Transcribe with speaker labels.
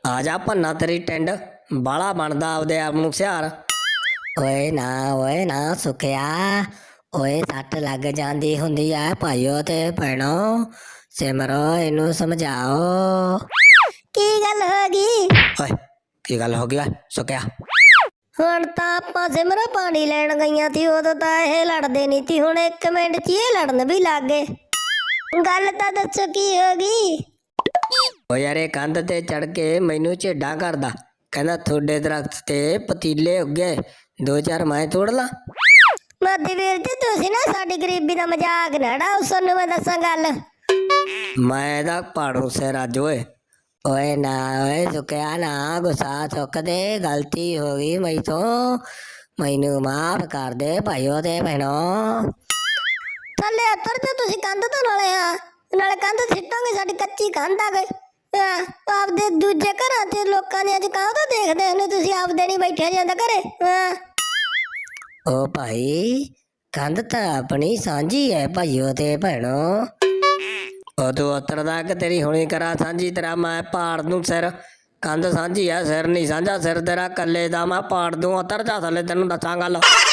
Speaker 1: ਆ ਜਾ ਭੰਨਾ ਤੇਰੀ ਟਿੰਡ ਬਾਲਾ ਬਣਦਾ ਆਪਦੇ ਆਪ ਨੂੰ ਸਿਆਰ। ਓਏ ਨਾ ਸੁਖਿਆ, ਓਏ ਸੱਟ ਲੱਗ ਜਾਂਦੀ ਹੁੰਦੀ ਆ ਭਾਈਓ ਤੇ ਭੈਣੋ, ਸਿਮਰੋ ਇਹਨੂੰ ਸਮਝਾਓ। ਕੀ ਗੱਲ ਹੋ ਗਈ? ਓਏ ਕੀ ਗੱਲ ਹੋ ਗਈ ਓਏ ਸੁਖਿਆ? ਹੁਣ ਤਾਂ ਆਪਾਂ ਸਿਮਰੋ ਪਾਣੀ ਲੈਣ ਗਈਆਂ ਸੀ, ਉਦੋਂ ਤਾਂ ਇਹ ਲੜਦੇ ਨਹੀਂ ਸੀ, ਹੁਣ 1 ਮਿੰਟ 'ਚ ਇਹ ਲੜਨ ਵੀ ਲੱਗ ਗਏ। ਗੱਲ ਤਾਂ ਦੱਸੋ ਕੀ ਹੋ ਗਈ? ਓ ਯਾਰ ਇਹ ਕੰਧ ਤੇ ਚੜ ਕੇ ਮੈਨੂੰ ਝੇਡਾਂ ਕਰਦਾ, ਕਹਿੰਦਾ ਤੁਹਾਡੇ ਦਰਖਤ ਤੇ ਪਤੀਲੇ ਉੱਗੇ, 2-4 ਮੈਂ ਤੋੜ ਲਾਂ। ਮੋਦੀ ਵੀਰ ਜੀ ਤੁਸੀਂ ਨਾ ਸਾਡੀ ਗਰੀਬੀ ਦਾ ਮਜ਼ਾਕ ਨਾ ਉਡਾਓ, ਤੁਹਾਨੂੰ ਮੈਂ ਦੱਸਾਂ ਗੱਲ। ਮੈਂ ਇਹਦਾ ਪਾੜੂ ਸਿਰ ਅੱਜ। ਓਏ ਨਾ ਓਏ ਸੁੱਕਿਆ ਨਾ, ਗੁੱਸਾ ਚੁੱਕ ਦੇ, ਗਲਤੀ ਹੋ ਗਈ ਮੈਥੋਂ, ਮੈਨੂੰ ਮਾਫ ਕਰ ਦੇ ਭਾਈਓ ਤੇ ਭੈਣੋ। ਥੱਲੇ ਉੱਤਰ ਜਾ ਤੁਸੀਂ ਕੰਧ ਤੋਂ, ਨਾਲੇ ਕੰਧ ਸਿੱਟੋਗੇ, ਸਾਡੀ ਕੱਚੀ ਕੰਧ ਆ ਗਈ। ਆਪਦੇ ਦੂਜੇ ਘਰਾਂ ਤੇ ਲੋਕਾਂ ਦੇ ਅੱਜ ਕਾਹਤੋਂ ਦੇਖਦੇ ਹੁੰਦੇ ਤੁਸੀਂ, ਆਪਦੇ ਨਹੀਂ ਬੈਠਿਆ ਜਾਂਦਾ ਘਰੇ। ਓ ਭਾਈ ਕੰਧ ਤਾਂ ਆਪਣੀ ਸਾਂਝੀ ਹੈ ਭਾਈਓ ਤੇ ਭੈਣੋ। ਉਹ ਤੂੰ ਉਤਰਦਾ ਕਿ ਤੇਰੀ ਹੁਣੀ ਕਰਾਂ ਸਾਂਝੀ, ਤੇਰਾ ਮੈਂ ਪਾੜ ਦੂੰ ਸਿਰ। ਕੰਧ ਸਾਂਝੀ ਆ, ਸਿਰ ਨਹੀਂ ਸਾਂਝਾ, ਸਿਰ ਤੇਰਾ ਕੱਲੇ ਦਾ ਮੈਂ ਪਾੜ ਦੂੰ। ਉਤਰ ਜਾ ਥੱਲੇ, ਤੈਨੂੰ ਦੱਸਾਂ ਗੱਲ।